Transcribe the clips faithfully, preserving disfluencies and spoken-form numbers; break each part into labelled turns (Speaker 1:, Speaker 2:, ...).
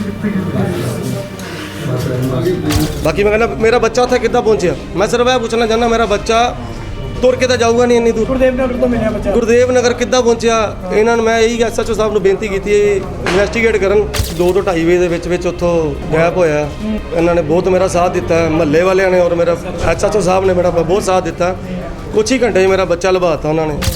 Speaker 1: बाकी मैं कहना मेरा बच्चा उत्थे किद्दां पहुंचा, मैं सिर्फ यह पूछना चाहना मेरा बच्चा तुर के तो जाऊगा नहीं इन्नी दूर।
Speaker 2: गुरदेव नगर तो मिलिया बच्चा,
Speaker 1: गुरदेव नगर किद्दां पहुंचा इन्हां नूं मैं यही एस एच ओ साहब नूं बेनती की इन्वेस्टिगेट करन। दो तो ढाई बजे दे विच उत्थों गैप होया, इन्हां ने बहुत मेरा साथ दिता, महल्ले वालियां ने और मेरा एस एच ओ साहब ने मेरा बहुत साथ दिता। कुछ ही घंटे मेरा बच्चा लभाता उन्होंने।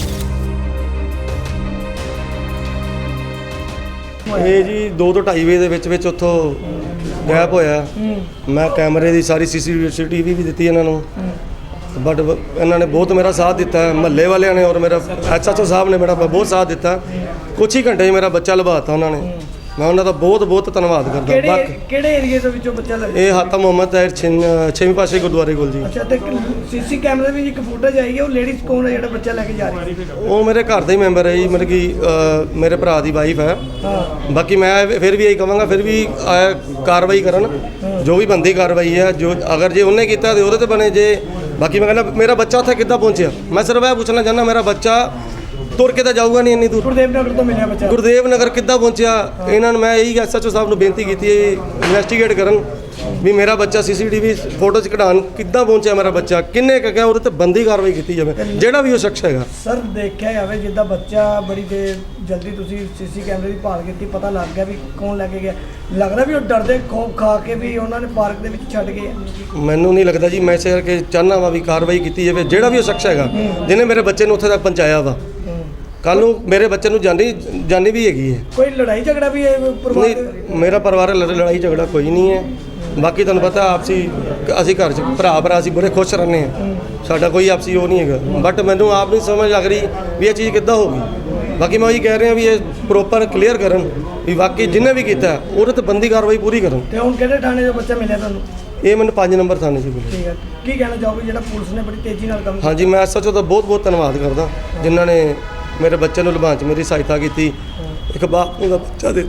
Speaker 1: ਇਹ ਜੀ ਦੋ ਤੋਂ ਢਾਈ ਵਜੇ ਦੇ ਵਿੱਚ ਵਿੱਚ ਉੱਥੋਂ ਗੈਪ ਹੋਇਆ। ਮੈਂ ਕੈਮਰੇ ਦੀ ਸਾਰੀ ਸੀਸੀਟੀਵੀ ਵੀ ਦਿੱਤੀ ਇਹਨਾਂ ਨੂੰ, ਬਟ ਇਹਨਾਂ ਨੇ ਬਹੁਤ ਮੇਰਾ ਸਾਥ ਦਿੱਤਾ, ਮਹੱਲੇ ਵਾਲਿਆਂ ਨੇ ਔਰ ਮੇਰਾ ਐਸ ਐਚ ਓ ਸਾਹਿਬ ਨੇ ਮੇਰਾ ਬਹੁਤ ਸਾਥ ਦਿੱਤਾ। ਕੁਛ ਹੀ ਘੰਟੇ ਮੇਰਾ ਬੱਚਾ ਲਭਾਤਾ ਉਹਨਾਂ ਨੇ, ਮੈਂ ਉਹਨਾਂ ਦਾ ਬਹੁਤ ਬਹੁਤ ਧੰਨਵਾਦ ਕਰਦਾ।
Speaker 2: ਬਾਕੀ ਕਿਹੜੇ ਏਰੀਏ ਦੇ ਵਿੱਚੋਂ ਬੱਚਾ ਲੱਗਾ?
Speaker 1: ਇਹ ਹਾਤਾ ਮੁਹੰਮਦ ਤਾਹਿਰ ਛੇਵੀਂ ਪਾਸੇ ਗੁਰਦੁਆਰੇ ਕੋਲ ਜੀ।
Speaker 2: ਅੱਛਾ, ਤੇ ਸੀਸੀ ਕੈਮਰੇ ਵਿੱਚ ਇੱਕ ਫੁਟੇਜ ਆਈ ਹੈ, ਉਹ ਲੇਡੀਜ਼ ਕੌਣ ਹੈ ਜਿਹੜਾ ਬੱਚਾ ਲੈ ਕੇ ਜਾ ਰਹੀ ਹੈ?
Speaker 1: ਉਹ ਮੇਰੇ ਘਰ ਦਾ ਹੀ ਮੈਂਬਰ ਹੈ ਜੀ, ਮਤਲਬ ਕਿ ਮੇਰੇ ਭਰਾ ਦੀ ਵਾਈਫ ਹੈ। ਬਾਕੀ ਮੈਂ ਫਿਰ ਵੀ ਇਹੀ ਕਹਾਂਗਾ ਫਿਰ ਵੀ ਕਾਰਵਾਈ ਕਰਨ, ਜੋ ਵੀ ਬੰਦੀ ਕਾਰਵਾਈ ਹੈ, ਜੋ ਅਗਰ ਜੇ ਉਹਨੇ ਕੀਤਾ ਤੇ ਉਹਦੇ ਤੇ ਬਣੇ। ਜੇ ਬਾਕੀ ਮੈਂ ਕਹਿੰਦਾ ਮੇਰਾ ਬੱਚਾ ਉੱਥੇ ਕਿੱਦਾਂ ਪਹੁੰਚਿਆ, ਮੈਂ ਸਿਰਫ ਇਹ ਪੁੱਛਣਾ ਚਾਹੁੰਦਾ ਮੇਰਾ ਬੱਚਾ ਤੁਰ ਕੇ ਤਾਂ ਜਾਊਗਾ ਨਹੀਂ ਇੰਨੀ ਦੂਰ।
Speaker 2: ਗੁਰਦੇਵ ਨਗਰ ਤੋਂ ਮਿਲਿਆ ਬੱਚਾ,
Speaker 1: ਗੁਰਦੇਵ ਨਗਰ ਕਿੱਦਾਂ ਪਹੁੰਚਿਆ ਇਹਨਾਂ ਨੂੰ ਮੈਂ ਇਹੀ ਐਸ ਐਚ ਓ ਸਾਹਿਬ ਨੂੰ ਬੇਨਤੀ ਕੀਤੀ ਹੈ ਇਨਵੈਸਟੀਗੇਟ ਕਰਨ ਵੀ ਮੇਰਾ ਬੱਚਾ ਸੀਸੀਟੀਵੀ ਫੋਟੋ ਚ ਕਢਾਉਣ ਕਿੱਦਾਂ ਪਹੁੰਚਿਆ ਮੇਰਾ ਬੱਚਾ, ਕਿੰਨੇ ਕੁ ਗਿਆ ਉਹਦੇ ਤੇ ਬੰਦੀ ਕਾਰਵਾਈ ਕੀਤੀ ਜਾਵੇ ਜਿਹੜਾ ਵੀ ਉਹ ਸ਼ਖਸ ਹੈਗਾ।
Speaker 2: ਸਰ ਦੇਖਿਆ ਜਾਵੇ ਜਿੱਦਾਂ ਬੱਚਾ ਬੜੀ ਦੇਰ ਜਲਦੀ ਤੁਸੀਂ ਸੀਸੀ ਕੈਮਰੇ ਦੀ ਭਾਲ ਕੀਤੀ, ਪਤਾ ਲੱਗ ਗਿਆ ਵੀ ਕੌਣ ਲੈ ਕੇ ਗਿਆ, ਲੱਗਦਾ ਵੀ ਉਹ ਡਰਦੇ ਖੌਫ ਖਾ ਕੇ ਵੀ ਉਹਨਾਂ ਨੇ ਪਾਰਕ ਦੇ ਵਿੱਚ ਛੱਡ ਗਏ? ਮੈਨੂੰ
Speaker 1: ਨਹੀਂ ਲੱਗਦਾ ਜੀ, ਮੈਂ ਇਸੇ ਕਰਕੇ ਚਾਹੁੰਦਾ ਵਾ ਵੀ ਕਾਰਵਾਈ ਕੀਤੀ ਜਾਵੇ ਜਿਹੜਾ ਵੀ ਉਹ ਸ਼ਖਸ ਹੈਗਾ ਜਿਹਨੇ ਮੇਰੇ ਬੱਚੇ ਨੂੰ ਉੱਥੇ ਤੱਕ ਪਹੁੰਚਾਇਆ ਵਾ। ਕੱਲ ਨੂੰ ਮੇਰੇ ਬੱਚੇ ਨੂੰ ਜਾਨੀ ਜਾਨੀ ਵੀ ਹੈਗੀ ਹੈ।
Speaker 2: ਕੋਈ ਲੜਾਈ ਝਗੜਾ ਵੀ ਹੈ ਪਰਿਵਾਰ?
Speaker 1: ਨਹੀਂ, ਮੇਰਾ ਪਰਿਵਾਰ ਲੜਾਈ ਝਗੜਾ ਕੋਈ ਨਹੀਂ ਹੈ। ਬਾਕੀ ਤੁਹਾਨੂੰ ਪਤਾ ਆਪਸੀ ਅਸੀਂ ਘਰ 'ਚ ਭਰਾ ਭਰਾ ਅਸੀਂ ਬੜੇ ਖੁਸ਼ ਰਹਿੰਦੇ ਹਾਂ, ਸਾਡਾ ਕੋਈ ਆਪਸੀ ਉਹ ਨਹੀਂ ਹੈਗਾ। ਬਟ ਮੈਨੂੰ ਆਪ ਨਹੀਂ ਸਮਝ ਲੱਗ ਰਹੀ ਵੀ ਇਹ ਚੀਜ਼ ਕਿੱਦਾਂ ਹੋ ਗਈ। ਬਾਕੀ ਮੈਂ ਉਹੀ ਕਹਿ ਰਿਹਾ ਵੀ ਇਹ ਪ੍ਰੋਪਰ ਕਲੀਅਰ ਕਰਨ ਵੀ ਵਾਕਈ ਜਿਹਨੇ ਵੀ ਕੀਤਾ ਉਹਦੇ ਤੇ ਬੰਦੀ ਕਾਰਵਾਈ ਪੂਰੀ ਕਰਨ।
Speaker 2: ਤੇ ਹੁਣ ਕਿਹੜੇ ਥਾਣੇ ਦਾ ਬੱਚਾ ਮਿਲਿਆ ਤੁਹਾਨੂੰ?
Speaker 1: ਇਹ ਮੈਨੂੰ ਪੰਜ ਨੰਬਰ ਥਾਣੇ 'ਚ ਮਿਲਿਆ।
Speaker 2: ਠੀਕ ਹੈ, ਕੀ ਕਹਿਣਾ ਚਾਹੋਗੇ ਜਿਹੜਾ ਪੁਲਿਸ ਨੇ ਬੜੀ ਤੇਜ਼ੀ ਨਾਲ ਕੰਮ?
Speaker 1: ਹਾਂਜੀ, ਮੈਂ ਐਸ ਐਚ ਓ ਦਾ ਬਹੁਤ ਬਹੁਤ ਧੰਨਵਾਦ ਕਰਦਾ ਜਿਨ੍ਹਾਂ ਨੇ ਮੇਰੇ ਬੱਚੇ ਨੂੰ ਲਭਾਉਣ 'ਚ ਮੇਰੀ ਸਹਾਇਤਾ ਕੀਤੀ। ਇੱਕ ਬਾਪ ਨੂੰ ਦਾ ਬੱਚਾ ਦੇ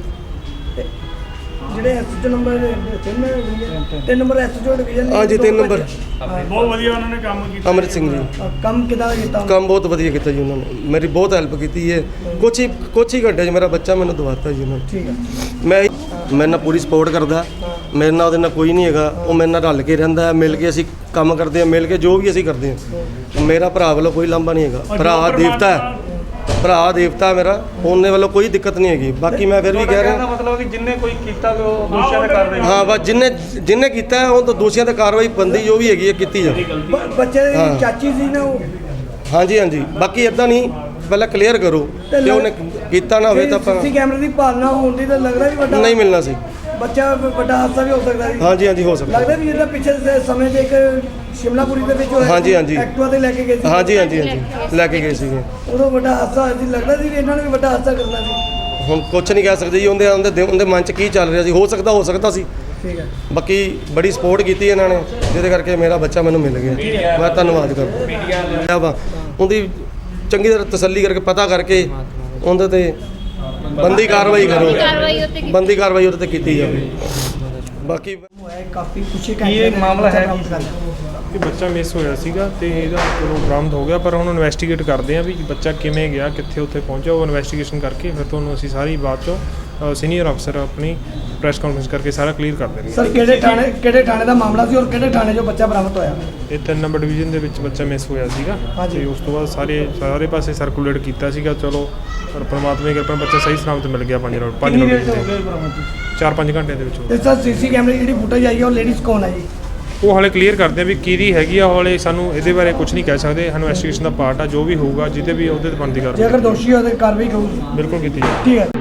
Speaker 2: ਜਿਹੜੇ ਐਸ ਐਚ ਓ ਨੰਬਰ ਤਿੰਨ number S H O division.
Speaker 1: ਹਾਂਜੀ, ਤਿੰਨ ਨੰਬਰ
Speaker 3: ਬਹੁਤ ਵਧੀਆ ਉਹਨਾਂ ਨੇ ਕੰਮ ਕੀਤਾ।
Speaker 1: ਅਮਰਿਤ ਸਿੰਘ ਜੀ
Speaker 2: ਕੰਮ ਕਿੱਦਾਂ ਦਾ ਕੀਤਾ?
Speaker 1: ਕੰਮ ਬਹੁਤ ਵਧੀਆ ਕੀਤਾ ਜੀ ਉਹਨਾਂ ਨੇ, ਮੇਰੀ ਬਹੁਤ ਹੈਲਪ ਕੀਤੀ ਹੈ। ਕੁਛ ਹੀ ਕੁਛ ਹੀ ਘੰਟੇ 'ਚ ਮੇਰਾ ਬੱਚਾ ਮੈਨੂੰ ਦਵਾਤਾ ਜੀ ਉਹਨਾਂ ਨੇ।
Speaker 2: ਠੀਕ ਹੈ,
Speaker 1: ਮੈਂ ਮੇਰੇ ਨਾਲ ਪੂਰੀ ਸਪੋਰਟ ਕਰਦਾ, ਮੇਰੇ ਨਾਲ ਉਹਦੇ ਨਾਲ ਕੋਈ ਨਹੀਂ ਹੈਗਾ, ਉਹ ਮੇਰੇ ਨਾਲ ਰਲ ਕੇ ਰਹਿੰਦਾ, ਮਿਲ ਕੇ ਅਸੀਂ ਕੰਮ ਕਰਦੇ ਹਾਂ, ਮਿਲ ਕੇ ਜੋ ਵੀ ਅਸੀਂ ਕਰਦੇ ਹਾਂ। ਮੇਰਾ ਭਰਾ ਵੱਲੋਂ ਕੋਈ ਲਾਂਭਾ ਨਹੀਂ ਹੈਗਾ, ਭਰਾ ਦੇਵਤਾ ਹੈ, ਭਰਾ ਦੇਵਤਾ ਮੇਰਾ, ਉਹਨੇ ਵੱਲੋਂ ਕੋਈ ਦਿੱਕਤ ਨਹੀਂ ਹੈਗੀ। ਬਾਕੀ ਮੈਂ ਫਿਰ ਵੀ ਕਹਿ ਰਿਹਾ
Speaker 3: ਮਤਲਬ ਕਿ ਜਿੰਨੇ ਕੋਈ ਕੀਤਾ ਉਹ ਦੋਸ਼ੀਆਂ ਤੇ ਕਾਰਵਾਈ।
Speaker 1: ਹਾਂ, ਬਸ ਜਿੰਨੇ ਜਿੰਨੇ ਕੀਤਾ ਉਹ ਤਾਂ ਦੋਸ਼ੀਆਂ ਤੇ ਕਾਰਵਾਈ ਬੰਦੀ ਜੋ ਵੀ ਹੈਗੀ ਹੈ ਕੀਤੀ ਜਾਵੇ।
Speaker 2: ਬੱਚੇ ਦੀ ਚਾਚੀ ਸੀ ਨਾ ਉਹ?
Speaker 1: ਹਾਂਜੀ ਹਾਂਜੀ, ਬਾਕੀ ਇਦਾਂ ਨਹੀਂ, ਪਹਿਲਾਂ ਕਲੀਅਰ ਕਰੋ ਕਿ ਉਹਨੇ ਕੀਤਾ ਨਾ ਹੋਵੇ ਤਾਂ ਆਪਾਂ
Speaker 2: ਸੀਸੀ ਕੈਮਰੇ ਦੀ ਭਾਲਣਾ ਹੋਣ ਦੀ ਤਾਂ ਲੱਗਦਾ ਵੀ ਵੱਡਾ
Speaker 1: ਨਹੀਂ ਮਿਲਣਾ ਸੀ।
Speaker 2: ਬੱਚਾ ਵੱਡਾ ਹਾਦਸਾ ਵੀ ਹੋ ਸਕਦਾ ਸੀ।
Speaker 1: ਹਾਂਜੀ ਹਾਂਜੀ, ਹੋ ਸਕਦਾ।
Speaker 2: ਲੱਗਦਾ ਵੀ ਜਿਹਦਾ ਪਿੱਛੇ ਦੇ ਸਮੇਂ ਤੇ ਇੱਕ ਸ਼ਿਮਲਾਪੁਰੀ ਦੇ ਵਿੱਚ ਹੋਇਆ,
Speaker 1: ਹਾਂਜੀ ਹਾਂਜੀ,
Speaker 2: ਐਕਟਿਵਾ ਤੇ ਲੈ ਕੇ ਗਏ ਸੀ।
Speaker 1: ਹਾਂਜੀ ਹਾਂਜੀ ਹਾਂਜੀ, ਲੈ ਕੇ ਗਏ ਸੀਗੇ।
Speaker 2: ਉਦੋਂ ਵੱਡਾ ਹਾਦਸਾ ਹੋਇਆ ਸੀ, ਲੱਗਦਾ ਸੀ ਵੀ ਇਹਨਾਂ ਨੇ ਵੀ ਵੱਡਾ ਹਾਦਸਾ ਕਰਨਾ ਸੀ।
Speaker 1: ਹੁਣ ਕੁਛ ਨਹੀਂ ਕਹਿ ਸਕਦੇ ਜੀ, ਉਹਦੇ ਉਹਦੇ ਉਹਦੇ ਮਨ 'ਚ ਕੀ ਚੱਲ ਰਿਹਾ ਸੀ, ਹੋ ਸਕਦਾ ਹੋ ਸਕਦਾ ਸੀ।
Speaker 2: ਠੀਕ ਹੈ,
Speaker 1: ਬਾਕੀ ਬੜੀ ਸਪੋਰਟ ਕੀਤੀ ਇਹਨਾਂ ਨੇ ਜਿਹਦੇ ਕਰਕੇ ਮੇਰਾ ਬੱਚਾ ਮੈਨੂੰ ਮਿਲ ਗਿਆ। ਮੈਂ ਧੰਨਵਾਦ ਕਰਦਾ ਵਾ ਉਹਦੀ, ਚੰਗੀ ਤਰ੍ਹਾਂ ਤਸੱਲੀ ਕਰਕੇ ਪਤਾ ਕਰਕੇ ਉਹਦੇ ਤੇ ਬੰਦੀ ਕਾਰਵਾਈ ਕਰੋ, ਬੰਦੀ ਕਾਰਵਾਈ ਉਹਦੇ ਤੇ ਕੀਤੀ ਜਾਵੇ। ਬਾਕੀ
Speaker 2: ਕਾਫੀ ਕੁਛ
Speaker 3: ਇਹ ਮਾਮਲਾ ਹੈ ਕਿ ਬੱਚਾ ਮਿਸ ਹੋਇਆ ਸੀਗਾ ਤੇ ਇਹਦਾ ਚਲੋ ਬਰਾਮਦ ਹੋ ਗਿਆ, ਪਰ ਹੁਣ ਇਨਵੈਸਟੀਗੇਟ ਕਰਦੇ ਆ ਵੀ ਬੱਚਾ ਕਿਵੇਂ ਗਿਆ, ਕਿੱਥੇ ਉੱਥੇ ਪਹੁੰਚਿਆ। ਉਹ ਇਨਵੈਸਟੀਗੇਸ਼ਨ ਕਰਕੇ ਫਿਰ ਤੁਹਾਨੂੰ ਅਸੀਂ ਸਾਰੀ ਬਾਤ ਚੋਂ ਸੀਨੀਅਰ ਅਫਸਰ ਆਪਣੀ ਪ੍ਰੈਸ ਕਾਨਫਰੰਸ ਕਰਕੇ ਸਾਰਾ ਕਲੀਅਰ ਕਰ ਦੇਣਗੇ।
Speaker 2: ਸਰ ਕਿਹੜੇ ਥਾਣੇ ਕਿਹੜੇ ਥਾਣੇ ਦਾ ਮਾਮਲਾ ਸੀ ਔਰ ਕਿਹੜੇ ਥਾਣੇ 'ਚੋਂ ਬੱਚਾ ਬਰਾਮਦ ਹੋਇਆ?
Speaker 3: ਇਹ ਤਿੰਨ ਨੰਬਰ ਡਿਵੀਜ਼ਨ ਦੇ ਵਿੱਚ ਬੱਚਾ ਮਿਸ ਹੋਇਆ ਸੀਗਾ ਤੇ ਉਸ ਤੋਂ ਬਾਅਦ ਸਾਰੇ ਸਾਰੇ ਪਾਸੇ ਸਰਕੂਲੇਟ ਕੀਤਾ ਸੀਗਾ। ਚਲੋ ਪਰ ਪਰਮਾਤਮਾ ਦੀ ਕਿਰਪਾ ਨਾਲ ਬੱਚਾ ਸਹੀ ਸਲਾਮਤ ਮਿਲ ਗਿਆ। ਪੰਜ ਰੋਡ ਪੰਜ ਰੋਡ ਚਾਰ ਪੰਜ ਘੰਟੇ ਦੇ ਵਿੱਚ।
Speaker 2: ਤੇ ਸਰ ਸੀਸੀ ਕੈਮਰੇ ਜਿਹੜੀ ਫੁਟੇਜ ਆਈ ਹੈ ਉਹ ਲੇਡੀਜ਼ ਕੌਣ ਹੈ ਜੀ?
Speaker 3: ਉਹ ਹਾਲੇ ਕਲੀਅਰ ਕਰਦੇ ਆ ਵੀ ਕਿਹਦੀ ਹੈਗੀ ਆ। ਹਾਲੇ ਸਾਨੂੰ ਇਹਦੇ ਬਾਰੇ ਕੁਝ ਨਹੀਂ ਕਹਿ ਸਕਦੇ, ਇਨਵੈਸਟੀਗੇਸ਼ਨ ਦਾ ਪਾਰਟ ਆ। ਜੋ ਵੀ ਹੋਊਗਾ ਜਿਹਦੇ ਵੀ ਉਹਦੇ ਤੇ ਬਣਦੀ ਕਾਰਵਾਈ
Speaker 2: ਜੇ ਅਗਰ ਦੋਸ਼ੀ ਹੋਵੇ ਤਾਂ ਕਾਰਵਾਈ ਹੋਊਗੀ,
Speaker 3: ਬਿਲਕੁਲ ਕੀਤੀ ਜਾਊਗੀ।
Speaker 2: ਠੀਕ ਹੈ।